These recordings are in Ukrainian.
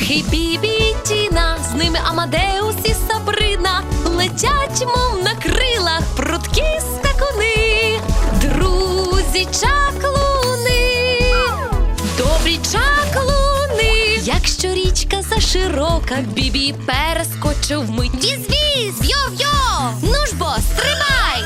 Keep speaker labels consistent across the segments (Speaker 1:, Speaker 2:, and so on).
Speaker 1: Перхі, Бібі і Тіна, з ними Амадеус і Сабрина, летять, мов на крилах, прудкі скакуни, друзі чаклуни, добрі чаклуни. Якщо річка заширока, Бібі перескочив вмить. Віз-віз, йо-йо, ну ж бо, стрибай!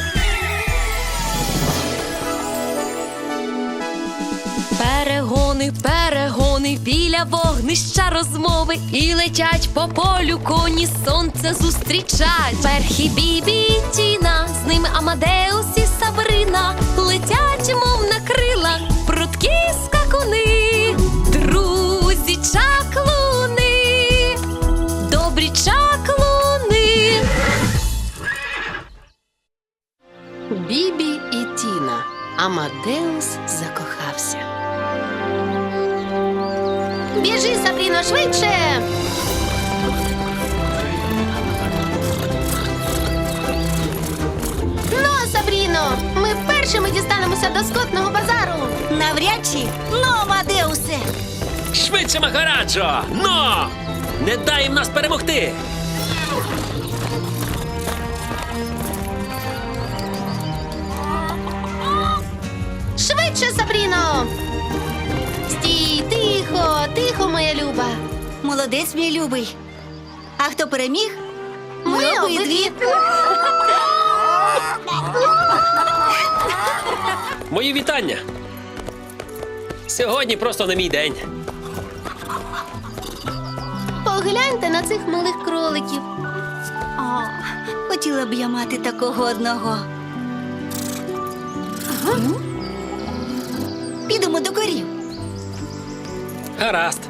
Speaker 1: Перегони, перегони, біля вогнища розмови, і летять по полю коні, сонце зустрічать. Перхі, Бібі і Тіна, з ними Амадеус і Сабрина, летять, мов на крилах, прудкі скакуни, друзі чаклуни, добрі чаклуни.
Speaker 2: Бібі і Тіна. Амадеус закохався. Біжи, Сабріно, швидше! Ну, Сабріно, ми першими дістанемося до скотного базару.
Speaker 3: Навряд чи. Ну, Амадеусе!
Speaker 4: Швидше, Махараджо! Но! Не дай їм нас перемогти!
Speaker 2: Швидше, Сабріно! Стій, тихо, тихо, моя люба.
Speaker 3: Молодець, мій любий. А хто переміг?
Speaker 2: Ми обидві.
Speaker 4: Мої вітання! Сьогодні просто не мій день.
Speaker 2: Погляньте на цих милих кроликів.
Speaker 3: О, хотіла б я мати такого одного. Підемо до корів.
Speaker 4: Гаразд.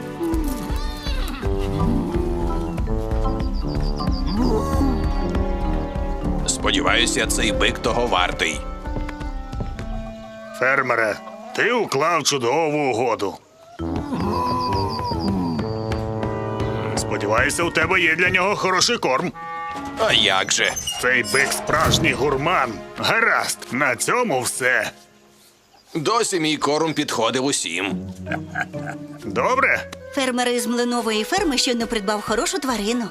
Speaker 5: Сподіваюся, цей бик того вартий.
Speaker 6: Фермере, ти уклав чудову угоду. Сподіваюся, у тебе є для нього хороший корм.
Speaker 5: А як же?
Speaker 6: Цей бик справжній гурман. Гаразд, на цьому все.
Speaker 5: Досі мій корм підходив усім.
Speaker 6: Добре?
Speaker 3: Фермер із млинової ферми щойно придбав хорошу тварину.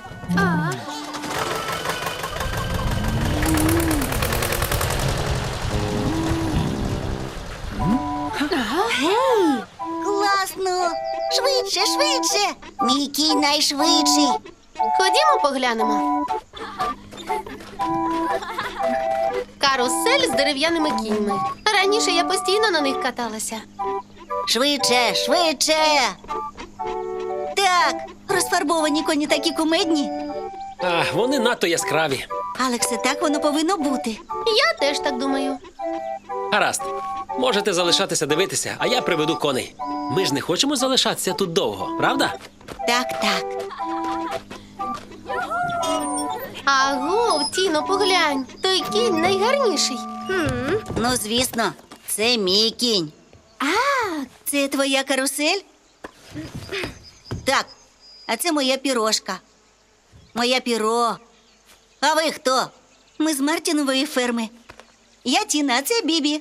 Speaker 3: Гей! Класно! Швидше, швидше! Мій кінь найшвидший.
Speaker 2: Ходімо поглянемо. Карусель з дерев'яними кіньми. Раніше я постійно на них каталася.
Speaker 3: Швидше, швидше! Так, розфарбовані коні такі кумедні.
Speaker 4: А, вони надто яскраві.
Speaker 3: Алексе, так воно повинно бути.
Speaker 2: Я теж так думаю.
Speaker 4: Гаразд. Можете залишатися дивитися, а я приведу коней. Ми ж не хочемо залишатися тут довго, правда?
Speaker 3: Так, так.
Speaker 2: Агов, Тіно, поглянь. Той кінь найгарніший.
Speaker 3: Ну, звісно, це мій кінь. А, це твоя карусель? Так, а це моя пірожка. Моя піро. А ви хто? Ми з Мартінової ферми. Я Тіна, а це Бібі.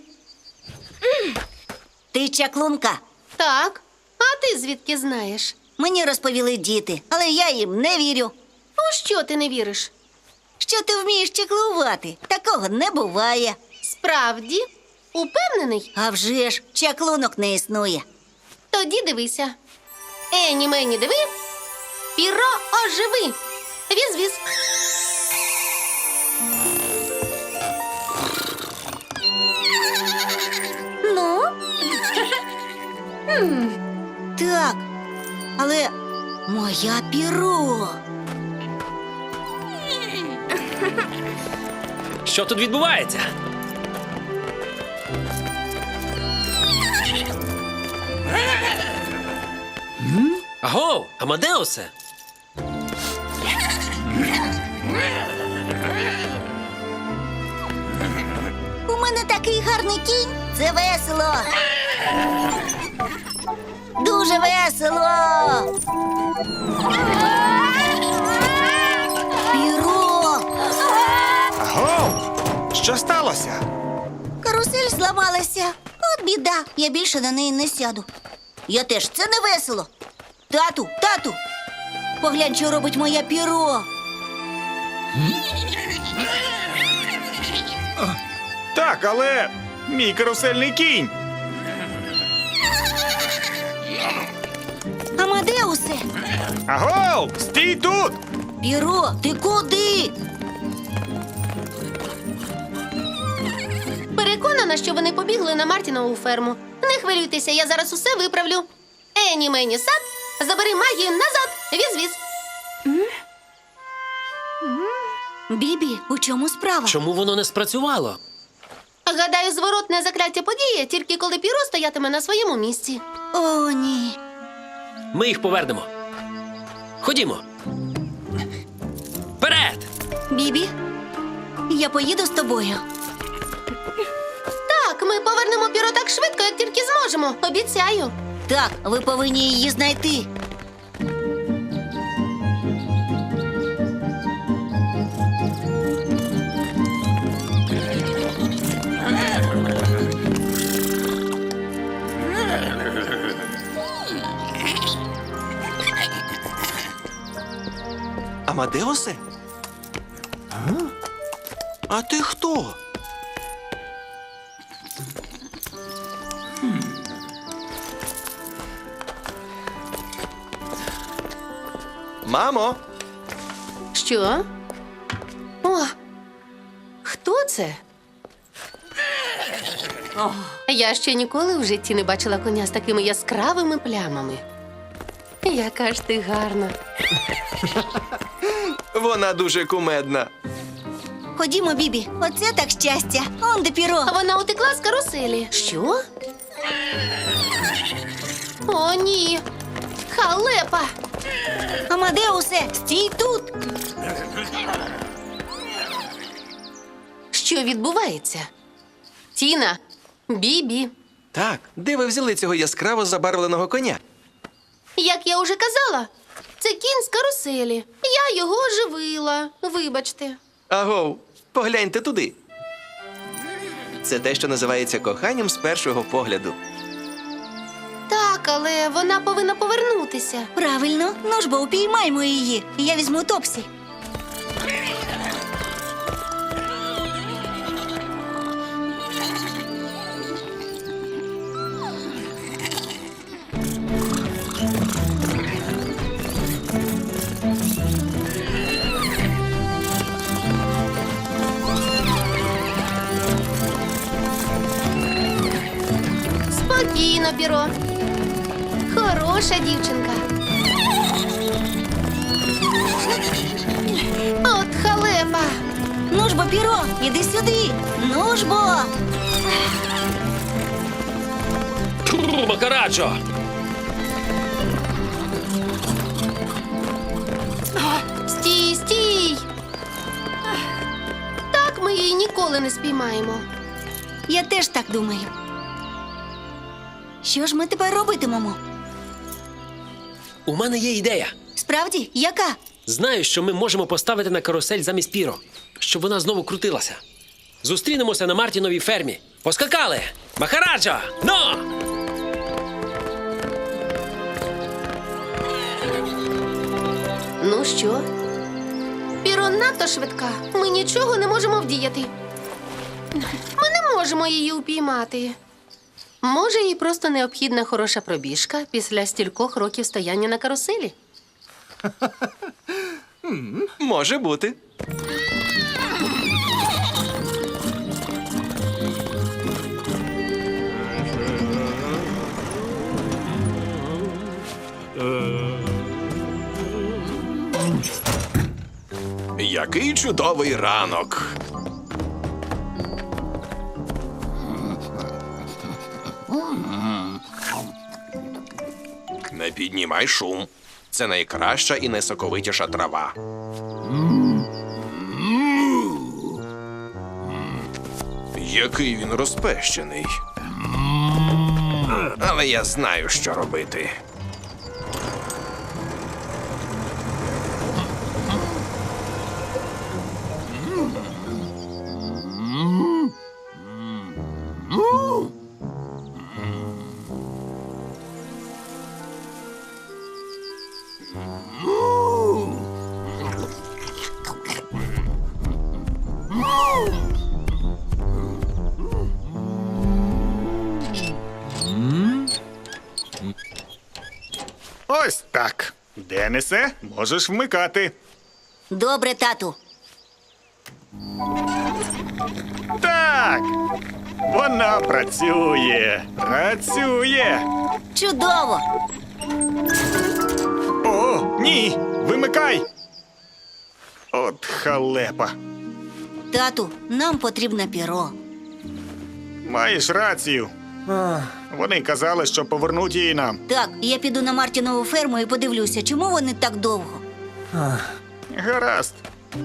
Speaker 3: Ти чаклунка.
Speaker 2: Так. А ти звідки знаєш?
Speaker 3: Мені розповіли діти, але я їм не вірю.
Speaker 2: У що ти не віриш?
Speaker 3: Що ти вмієш чаклувати? Такого не буває.
Speaker 2: Справді? Упевнений?
Speaker 3: А вже ж, чаклунок не існує.
Speaker 2: Тоді дивися. Ені мені диви. Піро оживи. Віз-віз.
Speaker 3: Ну? Так, але моя піро.
Speaker 4: Що тут відбувається? Агов, Амадеусе!
Speaker 3: У мене такий гарний кінь. Це весело. Дуже весело. Піро.
Speaker 6: Аго! Що сталося?
Speaker 3: Карусель зламалася. От біда. Я більше на неї не сяду. Я теж. Це не весело. Тату, тату, Поглянь, що робить моє піро.
Speaker 6: Так, але мій карусельний кінь.
Speaker 3: Амадеусе!
Speaker 6: Агов! Стій тут!
Speaker 3: Піро, ти куди?
Speaker 2: Переконана, що вони побігли на Мартінову ферму. Не хвилюйтеся, я зараз усе виправлю. Ені мені сад, забери магію назад. Віз-віз.
Speaker 3: Бібі, у чому справа?
Speaker 4: Чому воно не спрацювало?
Speaker 2: Гадаю, зворотне закляття подіє, тільки коли піро стоятиме на своєму місці.
Speaker 3: О, ні.
Speaker 4: Ми їх повернемо. Ходімо. Вперед!
Speaker 3: Бібі, я поїду з тобою.
Speaker 2: Так, ми повернемо піро так швидко, як тільки зможемо. Обіцяю.
Speaker 3: Так, ви повинні її знайти.
Speaker 5: Амадеусе? А ти хто? Мамо,
Speaker 2: Що? О, хто це? Я ще ніколи в житті не бачила коня з такими яскравими плямами. Яка ж ти гарна.
Speaker 5: вона дуже кумедна.
Speaker 3: Ходімо, Бібі, оце так щастя. Он де піро.
Speaker 2: А вона утекла з каруселі. Що? О, ні. Халепа.
Speaker 3: Амадеусе, стій тут.
Speaker 2: Що відбувається? Тіна, Бібі.
Speaker 5: Так, де ви взяли цього яскраво забарвленого коня?
Speaker 2: Як я уже казала, це кінь з каруселі. Я його оживила. Вибачте.
Speaker 5: Агов, погляньте туди. Це те, що називається коханням з першого погляду.
Speaker 2: Так, але вона повинна повернутися.
Speaker 3: Правильно, ну ж бо упіймаймо її. Я візьму Топсі.
Speaker 2: Спокійно, Піро. Хороша дівчинка. От халепа.
Speaker 3: Ну ж бо, піро, іди сюди. Ну ж бо.
Speaker 4: Тьфу, Макарачо!
Speaker 2: Стій, стій. Так ми її ніколи не спіймаємо.
Speaker 3: Я теж так думаю. Що ж ми тепер робитимемо?
Speaker 4: У мене є ідея.
Speaker 3: Справді, яка?
Speaker 4: Знаю, що ми можемо поставити на карусель замість піро, щоб вона знову крутилася. Зустрінемося на Мартіновій фермі. Поскакали! Махараджа! Но!
Speaker 2: Ну що? Піро надто швидка. Ми нічого не можемо вдіяти. Ми не можемо її упіймати. Може, їй просто необхідна хороша пробіжка після стількох років стояння на каруселі?
Speaker 5: Може бути. Який чудовий ранок. Не піднімай шум. Це найкраща і найсоковитіша трава. Який він розпещений. Але я знаю, що робити.
Speaker 6: Ось так. Денисе, можеш вмикати.
Speaker 3: Добре, тату.
Speaker 6: Так. Вона працює. Працює.
Speaker 3: Чудово!
Speaker 6: О, ні! Вимикай! От халепа.
Speaker 3: Тату, нам потрібне піро.
Speaker 6: Маєш рацію. Вони казали, що повернуть її нам.
Speaker 3: Так, я піду на Мартінову ферму і подивлюся, чому вони так довго.
Speaker 6: Гаразд.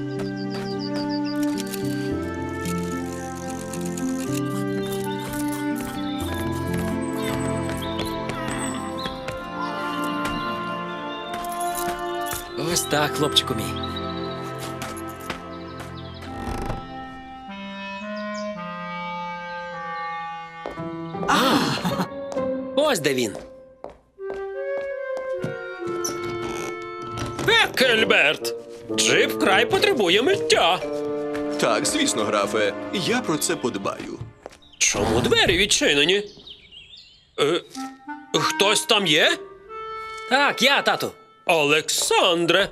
Speaker 4: Ось так, хлопчику мій. Ось де він. Екельберт! Джип вкрай потребує миття.
Speaker 5: Так, звісно, графе, я про це подбаю.
Speaker 4: Чому двері відчинені? Хтось там є? Так, я, тату. Олександре.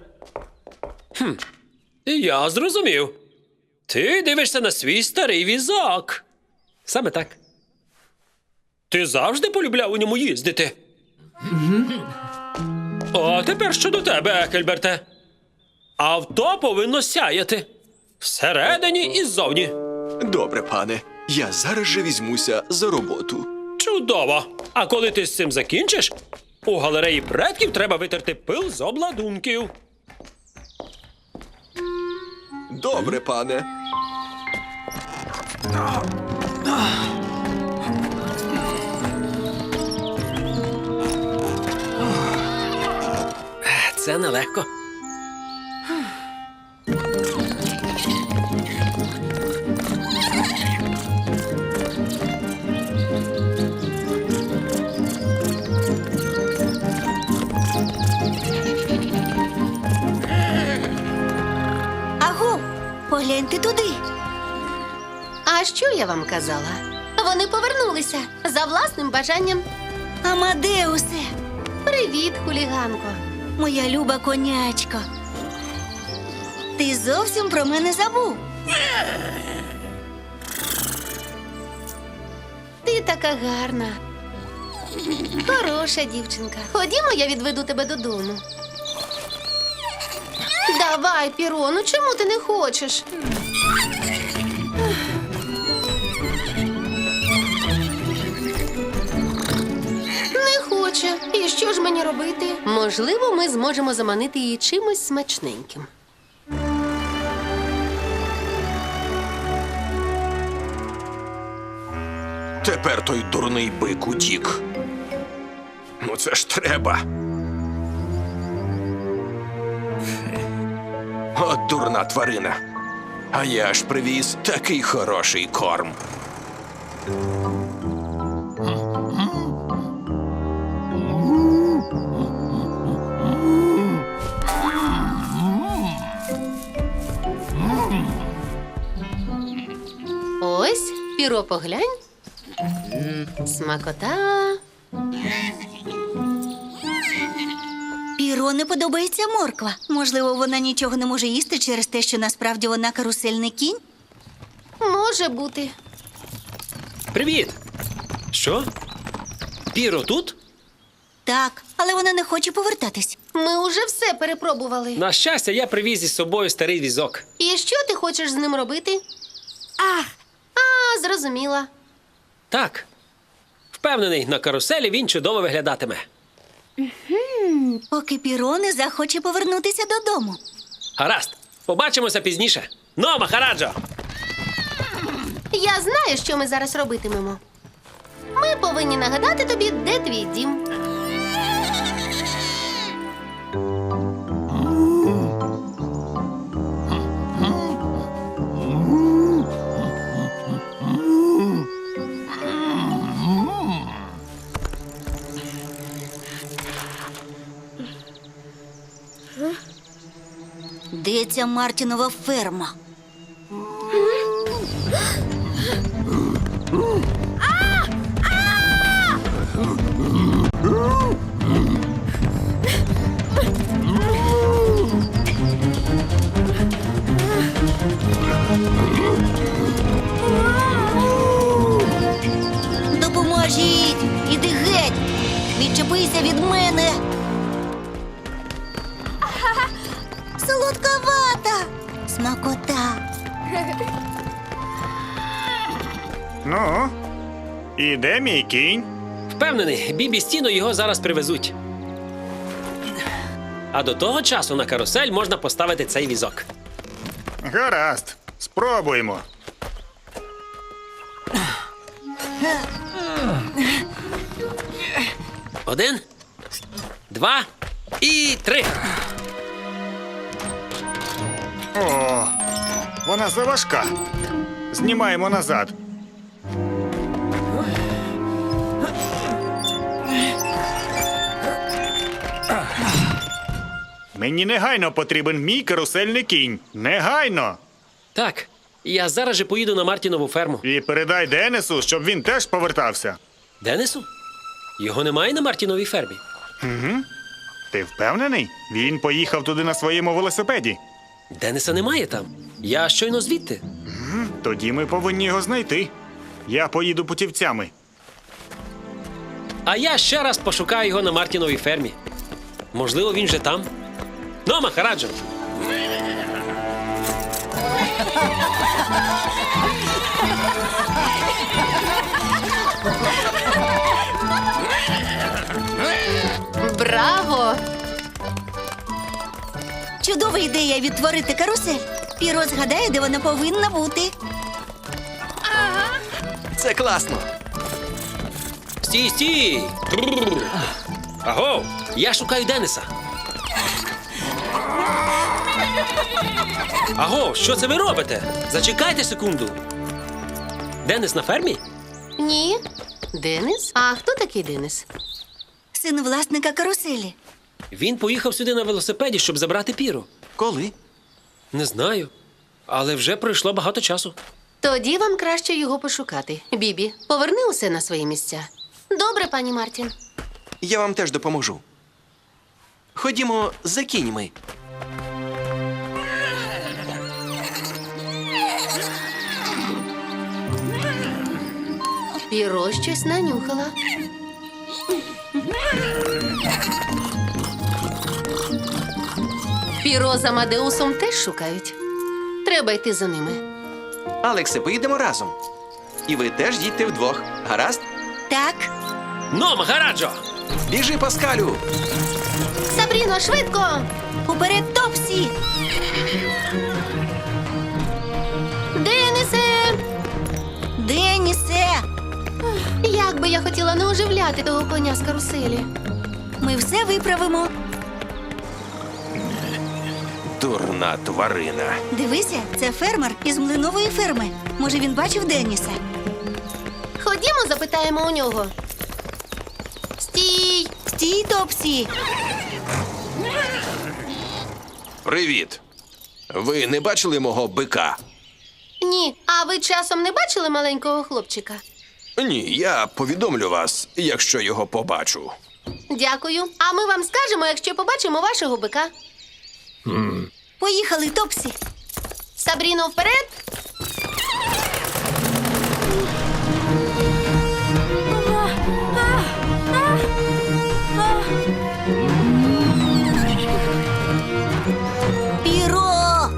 Speaker 4: Я зрозумів. Ти дивишся на свій старий візок. Саме так. Ти завжди полюбляв у ньому їздити? А тепер щодо тебе, Екельберте. Авто повинно сяяти. Всередині і ззовні.
Speaker 5: Добре, пане, я зараз же візьмуся за роботу.
Speaker 4: Чудово! А коли ти з цим закінчиш, у галереї предків треба витерти пил з обладунків.
Speaker 5: Добре, пане.
Speaker 4: Це нелегко.
Speaker 3: Аго, погляньте туди.
Speaker 2: А що я вам казала? Вони повернулися за власним бажанням.
Speaker 3: Амадеусе,
Speaker 2: Привіт, хуліганко.
Speaker 3: моя люба конячка. Ти зовсім про мене забув.
Speaker 2: Ти така гарна. Хороша дівчинка. Ходімо, я відведу тебе додому. Давай, Піро, ну чому ти не хочеш? Не хоче. І що ж мені робити? Можливо, ми зможемо заманити її чимось смачненьким.
Speaker 5: Тепер той дурний бик утік. Ну це ж треба. От дурна тварина. А я ж привіз такий хороший корм.
Speaker 2: Ось, Піро, поглянь. Смакота.
Speaker 3: Піро не подобається морква. Можливо, вона нічого не може їсти через те, що насправді вона карусельний кінь?
Speaker 2: Може бути.
Speaker 4: Привіт! Що? Піро тут?
Speaker 3: Так, але вона не хоче повертатись.
Speaker 2: Ми уже все перепробували.
Speaker 4: На щастя, я привіз із собою старий візок.
Speaker 2: І що ти хочеш з ним робити? Зрозуміла.
Speaker 4: Так. Впевнений, на каруселі він чудово виглядатиме.
Speaker 3: Поки Піро не захоче повернутися додому.
Speaker 4: Гаразд, побачимося пізніше. Ну, Махараджо!
Speaker 2: Я знаю, що ми зараз робитимемо. Ми повинні нагадати тобі, де твій дім.
Speaker 3: Де ця Мартінова ферма? Відчепися від мене. Солодковата. Смакота.
Speaker 6: Ну, і де мій кінь?
Speaker 4: Впевнений, Бібі з Тіно його зараз привезуть. А до того часу на карусель можна поставити цей візок.
Speaker 6: Гаразд, спробуємо.
Speaker 4: Один, два і три.
Speaker 6: О, вона заважка. Знімаємо назад. Мені негайно потрібен мій карусельний кінь. Негайно!
Speaker 4: Так, я зараз же поїду на Мартінову ферму.
Speaker 6: І передай Денису, щоб він теж повертався.
Speaker 4: Денису? Його немає на Мартіновій фермі.
Speaker 6: Ти впевнений? Він поїхав туди на своєму велосипеді.
Speaker 4: Дениса немає там. Я щойно звідти.
Speaker 6: Тоді ми повинні його знайти. Я поїду путівцями.
Speaker 4: А я ще раз пошукаю його на Мартіновій фермі. Можливо, він вже там. Ну, Махараджо!
Speaker 2: Браво!
Speaker 3: Чудова ідея відтворити карусель. Піро згадає, де вона повинна бути.
Speaker 5: Це класно.
Speaker 4: Стій, стій! Аго! Я шукаю Дениса. Аго, що це ви робите? Зачекайте секунду. Денис на фермі?
Speaker 2: Ні. Денис? А хто такий Денис?
Speaker 3: Син власника каруселі.
Speaker 4: Він поїхав сюди на велосипеді, щоб забрати Піру.
Speaker 5: Коли?
Speaker 4: Не знаю. Але вже пройшло багато часу.
Speaker 2: Тоді вам краще його пошукати. Бібі, поверни усе на свої місця. Добре, пані Мартін.
Speaker 5: Я вам теж допоможу. Ходімо за кіньми.
Speaker 2: Піро щось нанюхала. Піро з Амадеусом теж шукають. Треба йти за ними.
Speaker 5: Алексе, поїдемо разом. І ви теж їдьте вдвох. Гаразд?
Speaker 3: Так,
Speaker 4: Ну, Махараджо!
Speaker 5: Біжи, Паскалю!
Speaker 2: Сабріно, швидко!
Speaker 3: уперед, Топсі!
Speaker 2: Денисе!
Speaker 3: Денісе!
Speaker 2: Як би я хотіла не оживляти того коня з каруселі.
Speaker 3: Ми все виправимо.
Speaker 5: Дурна тварина.
Speaker 3: Дивися, це фермер із млинової ферми. Може, він бачив Деніса?
Speaker 2: Ходімо, запитаємо у нього. Стій!
Speaker 3: Стій, Топсі!
Speaker 5: Привіт. Ви не бачили мого бика?
Speaker 2: Ні, а ви часом не бачили маленького хлопчика?
Speaker 5: Ні, я повідомлю вас, якщо його побачу.
Speaker 2: Дякую. А ми вам скажемо, якщо побачимо вашого бика.
Speaker 3: Поїхали, Топсі!
Speaker 2: Сабріно, вперед!
Speaker 3: Піро!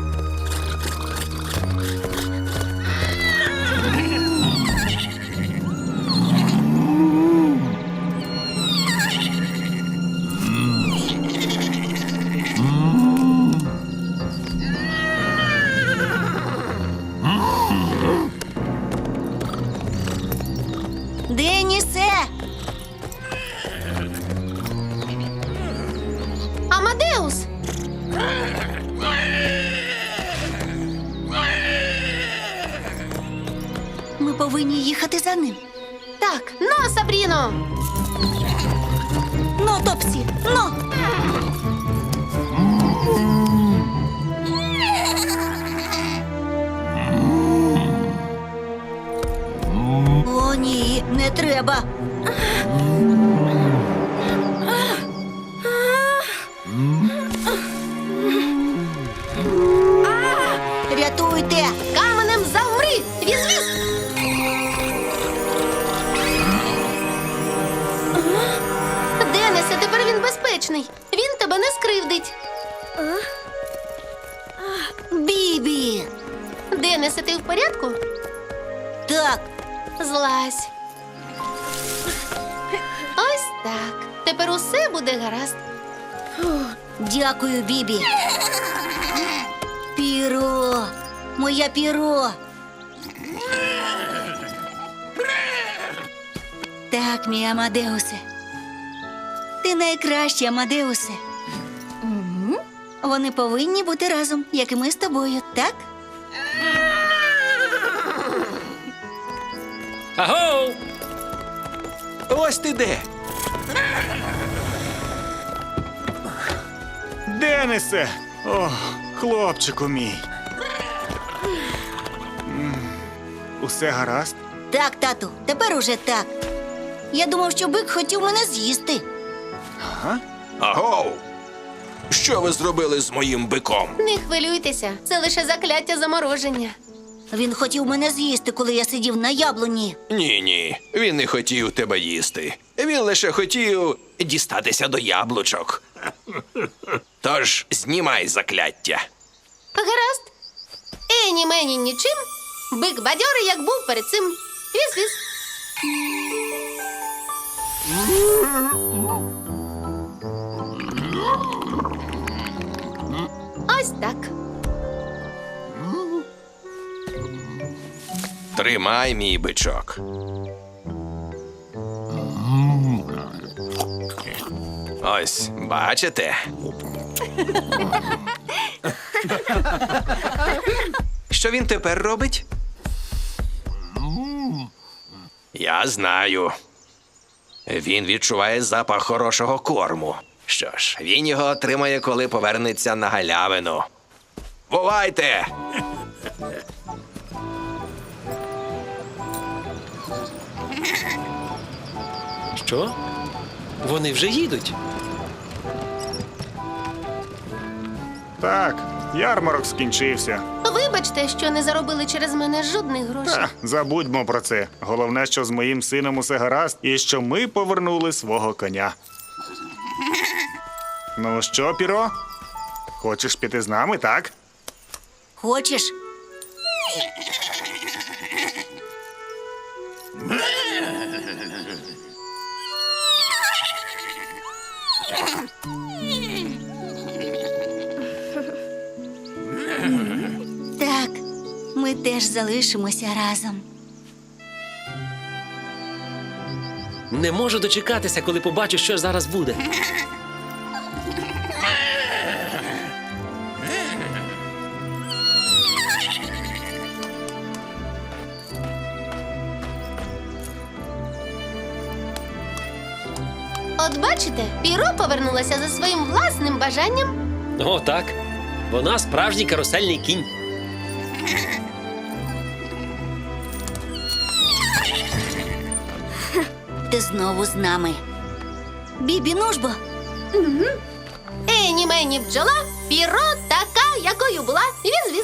Speaker 3: Денісе!
Speaker 2: Амадеус!
Speaker 3: Ми повинні їхати за ним.
Speaker 2: Так, ну, Сабріно!
Speaker 3: Ну, Топсі, ну! О, ні, не треба. Рятуйте!
Speaker 2: Каменем завмри! Віз-віз! Денис! небезпечний. Він тебе не скривдить.
Speaker 3: Бібі!
Speaker 2: Денисе, ти в порядку?
Speaker 3: Так,
Speaker 2: Злазь. Ось так. Тепер усе буде гаразд.
Speaker 3: дякую, Бібі. Піро! Моя піро! Так, мій Амадеусе. Ти найкращий, Амадеусе. Вони повинні бути разом, як і ми з тобою, так?
Speaker 4: Аго!
Speaker 5: Ось ти де.
Speaker 6: Денисе! О, хлопчику мій. Усе гаразд?
Speaker 3: Так, тату, тепер уже так. Я думав, що бик хотів мене з'їсти.
Speaker 5: Агоу! Що ви зробили з моїм биком?
Speaker 2: Не хвилюйтеся, це лише закляття замороження.
Speaker 3: Він хотів мене з'їсти, коли я сидів на яблуні.
Speaker 5: Ні, він не хотів тебе їсти. Він лише хотів дістатися до яблучок. Тож знімай закляття.
Speaker 2: Гаразд. Ені мені нічим. Бик бадьорий, як був перед цим. Віз-віз. Ось так.
Speaker 5: Тримай мій бичок. Ось, бачите? Що він тепер робить? Я знаю. Він відчуває запах хорошого корму. Що ж, він його отримає, коли повернеться на галявину. Бувайте!
Speaker 4: Що? Вони вже їдуть.
Speaker 6: Так, ярмарок скінчився.
Speaker 2: Вибачте, що не заробили через мене жодних грошей.
Speaker 6: Та, забудьмо про це. Головне, що з моїм сином усе гаразд, і що ми повернули свого коня. Ну що, Піро? Хочеш піти з нами, так?
Speaker 3: Хочеш? Так, ми теж залишимося разом.
Speaker 4: Не можу дочекатися, коли побачу, що зараз буде.
Speaker 2: От бачите, Піро повернулася за своїм власним бажанням.
Speaker 4: О, так. Вона справжній карусельний кінь.
Speaker 3: Ти знову з нами. Бібі, ну ж бо.
Speaker 2: Ені мені бджола, Піро така, якою була. Віз-віз.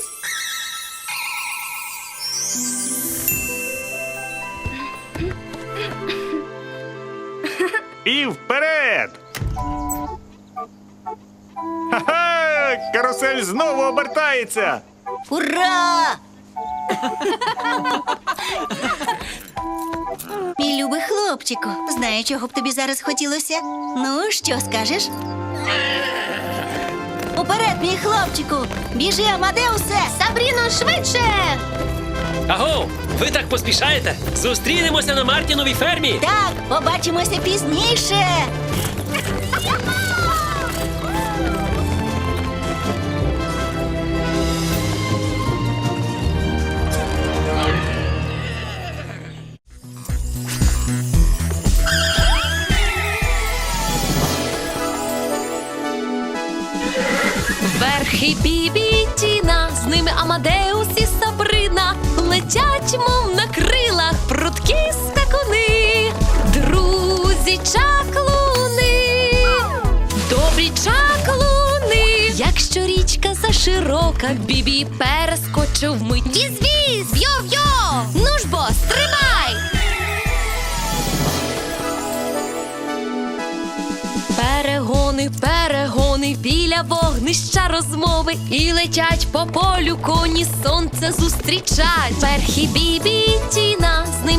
Speaker 6: І вперед! Ха-ха! Карусель знову обертається!
Speaker 3: Ура! Мій любий хлопчику, знаю, чого б тобі зараз хотілося. Ну, що скажеш? Уперед, мій хлопчику! Біжи, Амадеусе!
Speaker 2: Сабріно, швидше!
Speaker 4: Аго! Ви так поспішаєте? Зустрінемося на Мартіновій фермі!
Speaker 3: Так, побачимося пізніше!
Speaker 1: Верхи Бібі і Тіна, з ними Амадеус і Сабрина летять, мов на крилах, прудкі скакуни, друзі чаклуни, добрі чаклуни. Якщо річка заширока, Бібі перескочив вмить. Віз-віз, йо-йо, ну ж бо, стрибай! Перегони, біля вогнища розмови. І летять по полю коні сонце зустрічать. Перхі Бібі і Тіна, з ними